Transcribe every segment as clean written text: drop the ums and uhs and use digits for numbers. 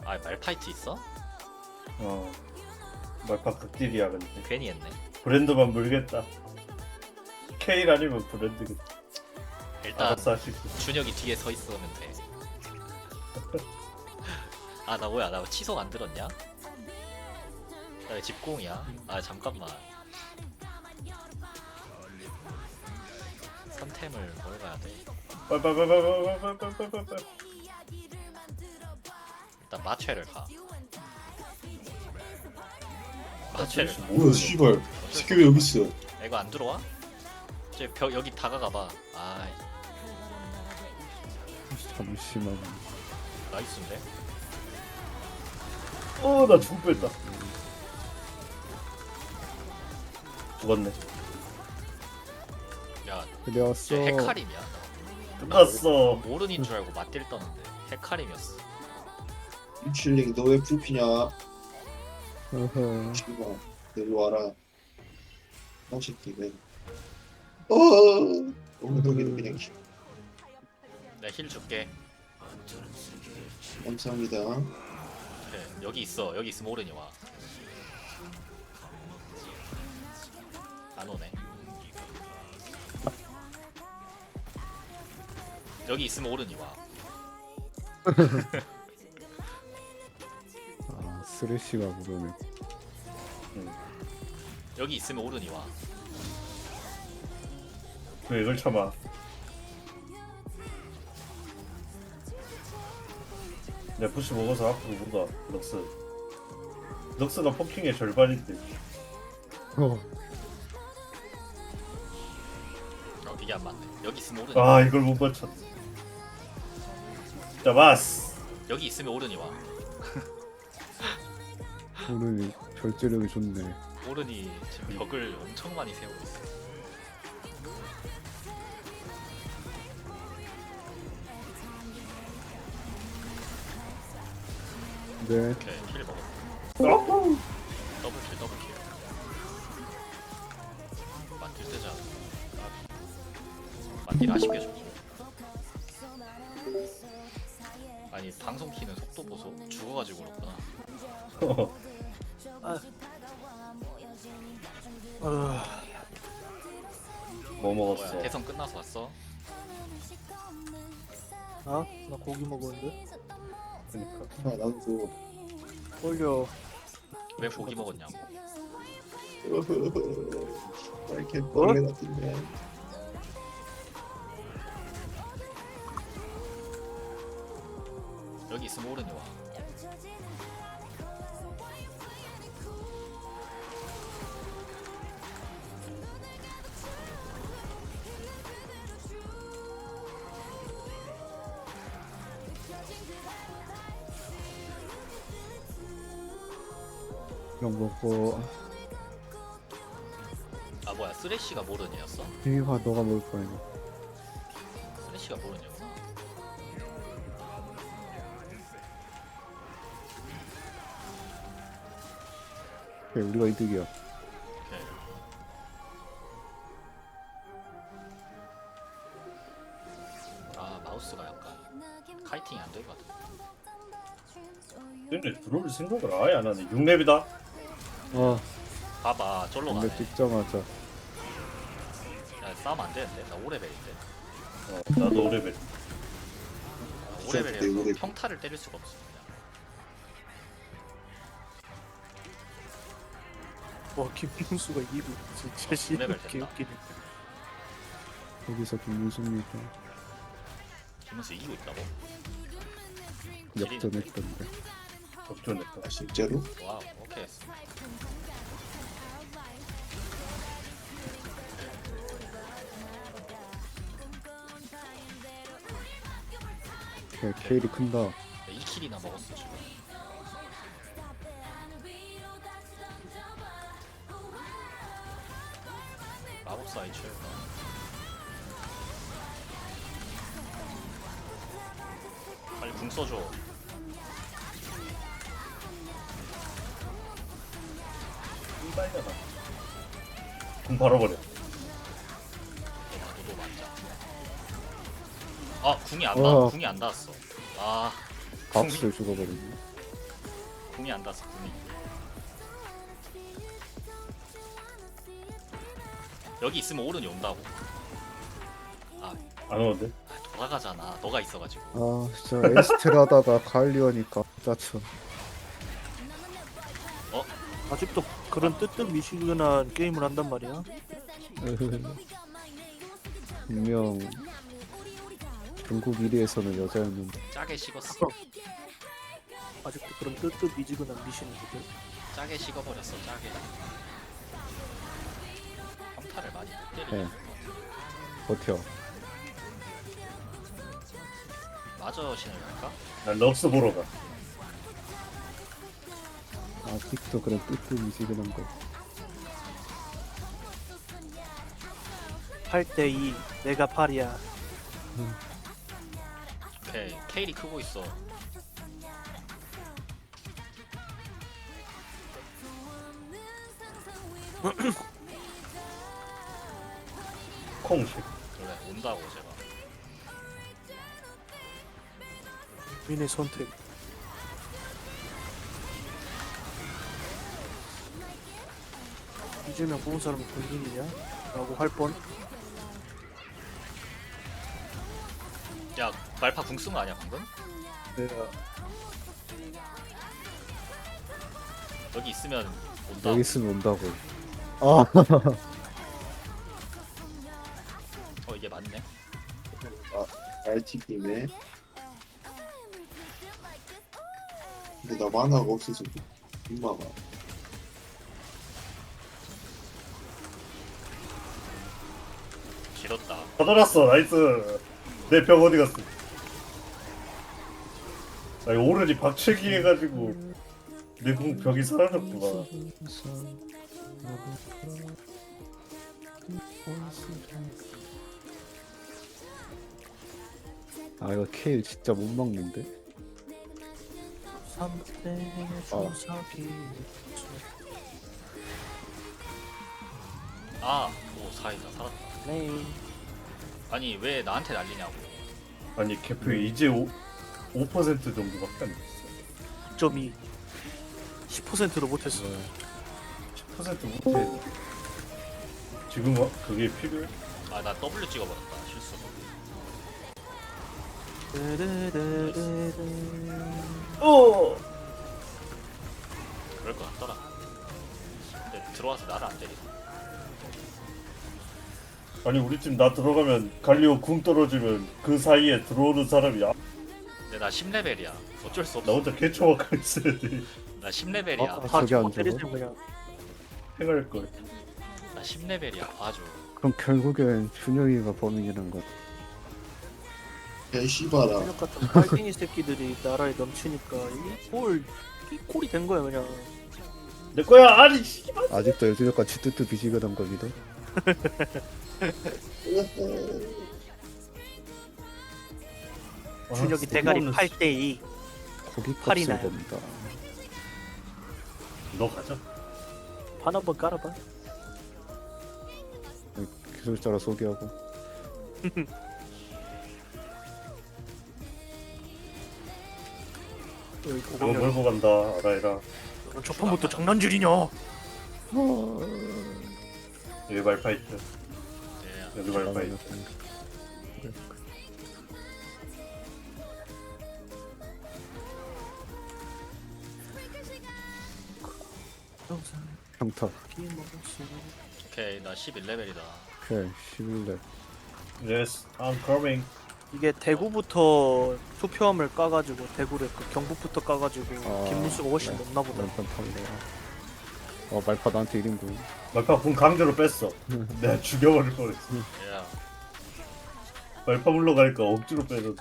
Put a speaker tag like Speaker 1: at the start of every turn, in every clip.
Speaker 1: 아 말파이트 있어?
Speaker 2: 어 말파 극딜이야. 근데
Speaker 1: 괜히 했네.
Speaker 2: 브랜드만 물겠다. 케일 아니면 브랜드겠다.
Speaker 1: 일단
Speaker 2: 알아서 하시고.
Speaker 1: 준혁이 뒤에 서 있으면 돼. 아 나 뭐야 나 치속 안 들었냐? 나 집공이야. 아 잠깐만. 선템을 뭘 가야 돼?
Speaker 2: 빨빨빨빨빨빨빨빨빨빨.
Speaker 1: 일단 마체를 가. 마체를 가.
Speaker 3: 뭐야 씨발 새끼 왜 여기 있어?
Speaker 1: 이거 안 들어와? 저 벽 여기 다가가봐. 아
Speaker 4: 잠시만.
Speaker 1: 나이스인데?
Speaker 2: 나 죽을 뻔했다. 죽었네.
Speaker 1: 야,
Speaker 4: 그래왔어.
Speaker 1: 쟤 헤카림이야.
Speaker 2: 끝났어.
Speaker 1: 모른인 줄 알고 맞딜 떴는데 헤카림이었어.
Speaker 3: 유칠링 너 왜 불피냐?
Speaker 4: 어허.
Speaker 3: 씨발 일로 와라. 똥새끼 왜? 엉덩이도 그냥
Speaker 1: 내가 힐 줄게.
Speaker 3: 감사합니다.
Speaker 1: 그래, 여기 있어. 여기 있으면 오른이 와. 안 오네. 여기 있으면 오른이 와.
Speaker 4: 아 쓰레쉬가 모르네.
Speaker 1: 여기 있으면 오른이 와.
Speaker 2: 왜 이걸 참아? 내 푸시 먹어서 앞으로 보다. 럭스가 포킹의 절반인데.
Speaker 4: 어.
Speaker 1: 이게 안 맞네. 여기 있으면 오른이 와.
Speaker 2: 아 이걸 못 맞췄. 잡았어.
Speaker 1: 여기 있으면 오른이 와.
Speaker 4: 오늘 절제력이 좋네.
Speaker 1: 오른이 지금 벽을 엄청 많이 세우고 있어.
Speaker 4: 네.
Speaker 1: 오케이, 힐 먹었어. 더블킬. 맞딜 뜨자. 맞딜 아쉽게 줬고. 아니 방송 키는 속도 보소. 죽어가지고 그렇구나.
Speaker 2: 뭐
Speaker 1: 뭐야
Speaker 2: 먹었어?
Speaker 1: 대선 끝나서 왔어?
Speaker 5: 아? 나 고기 먹었는데?
Speaker 2: 그러니까.
Speaker 3: 아 나도
Speaker 5: 올려.
Speaker 1: 왜 고기 먹었냐고.
Speaker 3: 이렇게 벌레 같은데.
Speaker 1: 여기 있으면 오른이 와.
Speaker 4: 이런 먹고.
Speaker 1: 아 뭐야 쓰레쉬가 모른이었어?
Speaker 4: 이화 너가 먹을 거야 이거.
Speaker 1: 쓰레쉬가 모른이구나.
Speaker 4: 그래 우리가 이득이야.
Speaker 1: 오케이. 아 마우스가 약간 카이팅이 안 될 것 같아.
Speaker 2: 근데 들어올 생각을 아예 안 하네. 6렙이다.
Speaker 4: 아
Speaker 1: 봐봐 절로 가네.
Speaker 4: 근데 찍자마자.
Speaker 1: 야 싸움 안 되는데? 나 5레벨인데.
Speaker 2: 나도 5렙.
Speaker 1: 5레벨이라서 평타를 때릴 수가 없어.
Speaker 5: 와, 김민수가 이거 진짜
Speaker 1: 레벨
Speaker 5: 씨발
Speaker 1: 됐다.
Speaker 5: 개웃기네.
Speaker 4: 여기서 김민수입니다.
Speaker 1: 김은수 이기고 있다고?
Speaker 4: 역전했던데.
Speaker 2: 접전했다.
Speaker 3: 아 실제로?
Speaker 1: 와우 오케이.
Speaker 4: 그래 케일이 큰다.
Speaker 1: 2킬이나 먹었어 지금. 마법사 이출. 빨리 궁 써줘.
Speaker 2: 빨잖아. 공 바로 버려.
Speaker 1: 너도 맞자. 아 궁이 안
Speaker 4: 와.
Speaker 1: 궁이 안 닿았어. 아
Speaker 4: 박스를 죽어버리네.
Speaker 1: 궁이 안 닿았어 궁이. 여기 있으면 오른이 온다고.
Speaker 2: 안 오는데?
Speaker 1: 돌아가잖아. 너가 있어가지고.
Speaker 4: 아 진짜 에스텔 하다가 갈리오니까 짜쳐.
Speaker 5: 아직도 그런 뜨뜻미시근한 게임을 한단 말이야.
Speaker 4: 분명 중국 1위에서는 여자였는데.
Speaker 1: 짜게 식었어.
Speaker 5: 아직도 그런 뜨뜻미지근한 미신이거든.
Speaker 1: 짜게 식어버렸어. 짜게. 평타를 많이 못 때리네.
Speaker 4: 네. 버텨.
Speaker 1: 마저 신을 갈까?
Speaker 2: 난 럭스 보러 가.
Speaker 4: 아직도 그런 뜨뜻미지근한 거.
Speaker 5: 8대2 내가 8이야.
Speaker 1: 오케이. 케일이 크고 있어.
Speaker 2: 콩식.
Speaker 1: 그래 온다고 제가.
Speaker 5: 민의 선택. 이재명 뽑은 사람이 본인이냐? 라고 할 뻔.
Speaker 1: 야 말파 궁 쓴 거 아니야 방금?
Speaker 2: 내가
Speaker 1: 여기 있으면 온다.
Speaker 4: 여기 있으면 온다고. 아
Speaker 1: 이게 맞네.
Speaker 3: RTP네. 근데 나 만화가 없어서 민망아.
Speaker 1: 길었다.
Speaker 2: 받아놨어. 나이스. 내 벽 어디 갔어? 나 이거 오른이 박치기 해가지고 내 궁 벽이 사라졌구나.
Speaker 4: 아 이거 케일 진짜 못 먹는데.
Speaker 5: 3대 주사기.
Speaker 1: 오 사이다 살았다.
Speaker 5: 네.
Speaker 1: 아니 왜 나한테 난리냐고.
Speaker 2: 아니 개표에 이제 5% 정도밖에 안 됐어.
Speaker 5: 2.2 10%도 못했어.
Speaker 2: 10% 못해. 지금 그게 필요해?
Speaker 1: 나 W 찍어버렸다 실수로.
Speaker 2: 어.
Speaker 1: 그럴 것 같더라. 근데 들어와서 나를 안 때리네.
Speaker 2: 아니 우리 팀 나 들어가면 갈리오 궁 떨어지면 그 사이에 들어오는 사람이
Speaker 1: 근데 나 10레벨이야. 어쩔 수
Speaker 2: 나
Speaker 1: 없어.
Speaker 2: 혼자 개초하고 있어야 돼.
Speaker 1: 나 10레벨이야.
Speaker 4: 아,
Speaker 5: 다
Speaker 4: 저기
Speaker 5: 저거
Speaker 4: 안
Speaker 5: 때리세요
Speaker 4: 잡아?
Speaker 5: 그냥.
Speaker 2: 행할 걸.
Speaker 1: 나 10레벨이야. 봐줘.
Speaker 4: 그럼 결국엔 준영이가 범인이란 거.
Speaker 3: 야, 이 씨발아.
Speaker 5: 실력 같은 빨갱이 새끼들이 나라에 넘치니까 이 꼴이 된 거야 그냥.
Speaker 2: 내 거야. 아니 씨발.
Speaker 4: 아직도 요즘까지 뜨뜻미지근한 거 믿어?
Speaker 5: 준혁이 대가리 8대2.
Speaker 4: 고기
Speaker 5: 팔이
Speaker 4: 값을
Speaker 5: 나요.
Speaker 4: 본다.
Speaker 2: 너 가자.
Speaker 5: 판 한번 깔아봐.
Speaker 4: 기술자라 소개하고.
Speaker 5: 여기
Speaker 2: 그거
Speaker 5: 고병렬.
Speaker 2: 몰고 간다. 알아해라.
Speaker 5: 너 저판부터 장난질이냐?
Speaker 2: 여기 말파이트.
Speaker 1: 네.
Speaker 2: 여기 말파이트.
Speaker 4: 평타.
Speaker 1: 오케이 나 11레벨이다.
Speaker 4: 오케이 11렙.
Speaker 2: Yes, I'm coming.
Speaker 5: 이게 대구부터 투표함을 까가지고 대구를 그 경북부터 까가지고
Speaker 4: 아,
Speaker 5: 김문수가 훨씬
Speaker 4: 네.
Speaker 5: 높나 보다.
Speaker 4: 왼편 탈래. 말파 나한테 1인분.
Speaker 2: 말파 궁 강제로 뺐어. 내가 죽여버릴 뻔했어.
Speaker 1: 야
Speaker 2: 말파 물러가니까 억지로 빼줬어.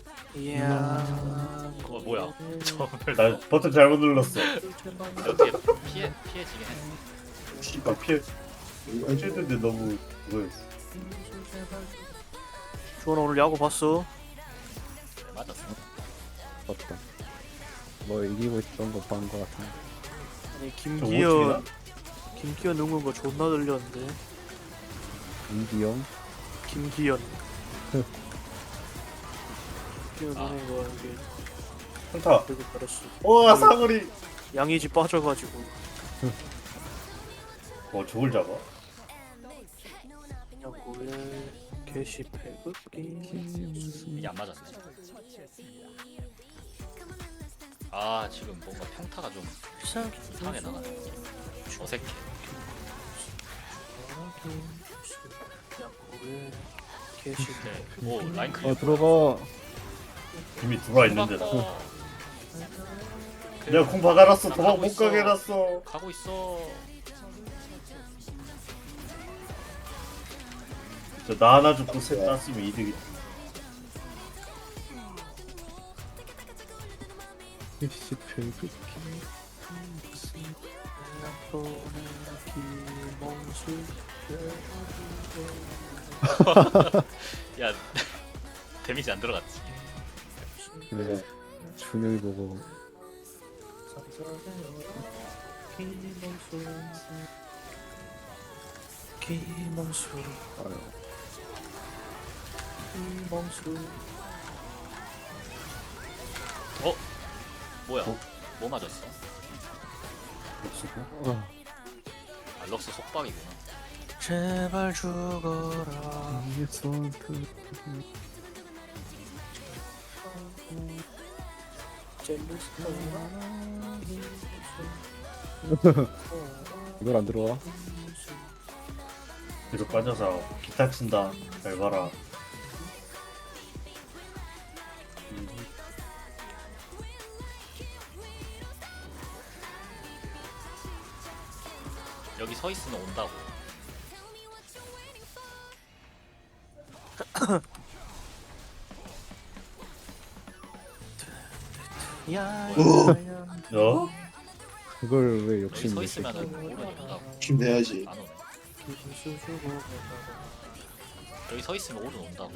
Speaker 5: 이야.
Speaker 1: 뭐야. 저걸
Speaker 2: 나 버튼 잘못 눌렀어.
Speaker 1: 어떻게 피해지긴 했어.
Speaker 2: 씨발 피해. 피했는데 너무 그거였어.
Speaker 5: 주원아 오늘 야구 봤어?
Speaker 1: 네, 맞았어.
Speaker 4: 맞다. 뭐 이기고 있던 거 본 거 같은데.
Speaker 5: 아니
Speaker 2: 오치기나?
Speaker 5: 김기현 응원 거 존나 들렸는데.
Speaker 4: 이기영.
Speaker 5: 김기현. 김기현
Speaker 1: 아.
Speaker 5: 응원 거 이게
Speaker 2: 한타.
Speaker 5: 되게 잘했어.
Speaker 2: 와 사거리.
Speaker 5: 양이지 빠져가지고
Speaker 2: 저걸 잡아?
Speaker 5: 그냥 뭐에 게시패 긋기
Speaker 1: 이게 안 맞았네. 아 지금 뭔가 평타가 좀 이상하게 나가네. 어색해.
Speaker 5: 그냥 뭐에 게시패
Speaker 1: 네. 오 라인 클리어.
Speaker 4: 들어가.
Speaker 2: 이미 들어와 있는데 나.
Speaker 1: 어.
Speaker 2: 내가 공 박아놨어.
Speaker 1: 나
Speaker 2: 도망
Speaker 1: 가고
Speaker 2: 못
Speaker 1: 있어.
Speaker 2: 가게 해놨어.
Speaker 1: 가고 있어.
Speaker 2: 나 하나 죽고 셋 땄으면 이득이.
Speaker 4: 씨 별그.
Speaker 1: 야 데미지 안 들어갔지.
Speaker 4: 그래. 준영이 보고
Speaker 5: 김홍수
Speaker 4: 아유,
Speaker 5: 김홍수
Speaker 1: 뭐야? 뭐 맞았어?
Speaker 4: 아,
Speaker 1: 알럭스 속박이구나.
Speaker 5: 제발 죽어라
Speaker 4: 이게 선트. 이걸 안 들어와?
Speaker 2: 뒤로 빠져서 기타 친다. 잘 봐라.
Speaker 1: 여기 서 있으면 온다고.
Speaker 5: 야야야
Speaker 2: 어?
Speaker 4: 그걸 왜
Speaker 1: 여기 서
Speaker 4: 욕심내?
Speaker 1: 있으면은 오면 온다고.
Speaker 3: 힘내야지.
Speaker 1: 안 오네.
Speaker 5: 김홍수 죽어라
Speaker 1: 여기 서 있으면 오른 온다고.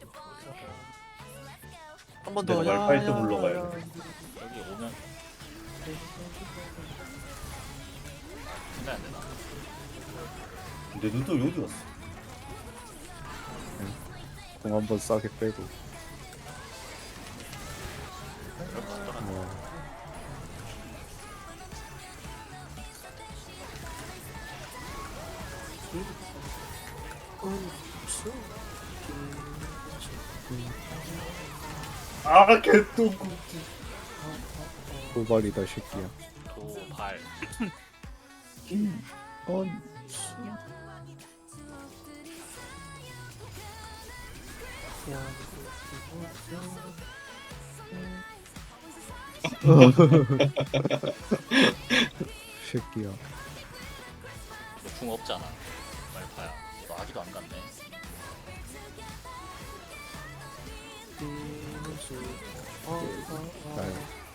Speaker 5: 한 번
Speaker 2: 내가
Speaker 5: 더
Speaker 2: 말파이트 불러가야 돼.
Speaker 1: 여기 오면 생각 안 되나?
Speaker 2: 근데 눈도 어디 갔어?
Speaker 4: 공 한번 싸게 빼고.
Speaker 1: 그럴 것 같더라.
Speaker 2: 아 개똥국지.
Speaker 4: 도발이다 새끼야.
Speaker 1: 도발.
Speaker 4: 새끼야.
Speaker 1: 너 궁 없잖아. 말파야. 너 아기도 안 갔네.
Speaker 4: 나요.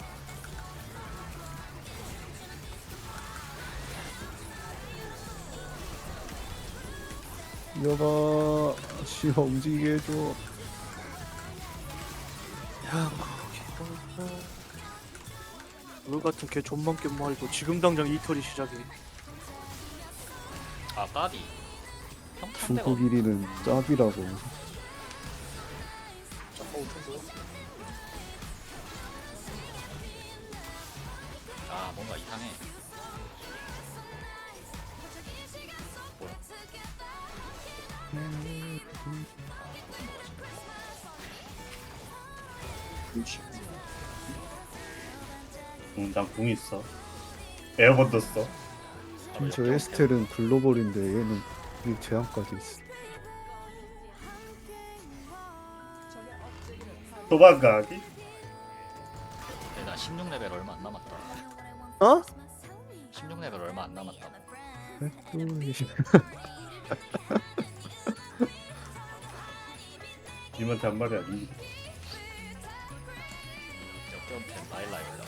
Speaker 4: 여봐, 씨가 움직이게 해줘.
Speaker 5: 물 같은 개 존만 게 말이고 지금 당장 이털이 시작해.
Speaker 1: 아 까비. 평탄 데가
Speaker 4: 중국 1위는 짭이라고.
Speaker 1: 아 뭔가 이상해. 뭐야?
Speaker 3: 그렇지.
Speaker 2: 난 궁 있어. 에어건도 써.
Speaker 1: 아,
Speaker 4: 저
Speaker 1: 이렇게
Speaker 4: 에스텔은 글로벌인데 얘는 이 제한까지 있어.
Speaker 2: 도망가기?
Speaker 1: 근데 나 16레벨 얼마 안 남았다.
Speaker 5: 어?
Speaker 1: 16레벨 얼마 안 남았다.
Speaker 2: 님한테 한 말이 아니.
Speaker 1: 역경템 바일라에 올라.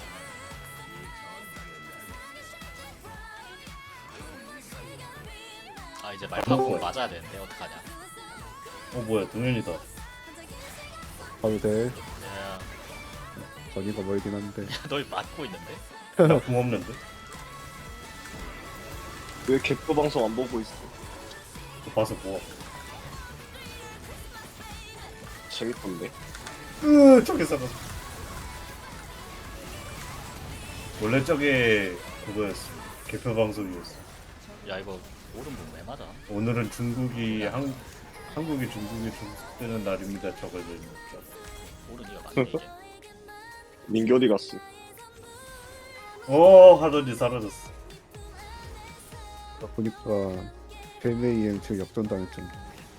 Speaker 1: 아 이제 말파고 맞아야 되는데 어떡하냐.
Speaker 2: 뭐야 동현이다.
Speaker 4: 가도 돼.
Speaker 1: 야,
Speaker 4: 거리가 멀긴 한데.
Speaker 1: 널 맞고 있는데?
Speaker 2: 나궁 없는데?
Speaker 3: 왜 개표 방송 안 보고 있어?
Speaker 2: 봐서 뭐?
Speaker 3: 재밌던데.
Speaker 2: 저기 살았어. 원래 저게 그거였어. 개표 방송이었어.
Speaker 1: 야 이거 오른 뭐왜 맞아?
Speaker 2: 오늘은 중국이 한국이 중국에 중국되는 날입니다. 저걸 읽는
Speaker 1: 오른 이거 맞네 이제.
Speaker 6: 민기 어디 갔어?
Speaker 2: 하더니 사라졌어.
Speaker 4: 나 보니까 벨메이엠 저 역전당했잖아.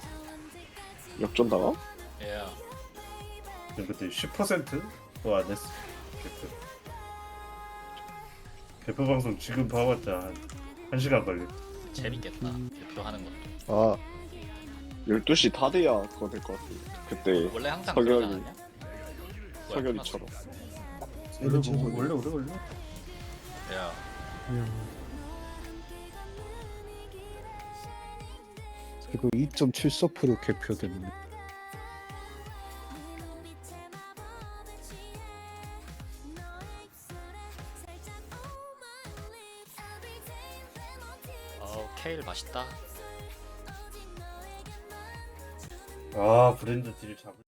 Speaker 6: 역전 당함?
Speaker 1: 야
Speaker 2: 그때 10%도 안 했어. 개표. 개표 방송 지금 봐봤자 한 시간 걸려.
Speaker 1: 재밌겠다. 대표하는 것도.
Speaker 4: 아
Speaker 6: 12시 다 돼야 그거 될 것 같은데. 그때
Speaker 1: 원래 항상
Speaker 6: 석연이-
Speaker 1: 그러지 않았냐? 뭐야,
Speaker 6: 석열이처럼.
Speaker 3: 세계 최고.
Speaker 2: 원래 오래 걸려.
Speaker 1: 끝났어. 야
Speaker 4: 그리고 2.74% 개표됐네.
Speaker 1: 케일 맛있다.
Speaker 2: 브랜드 딜 잡을.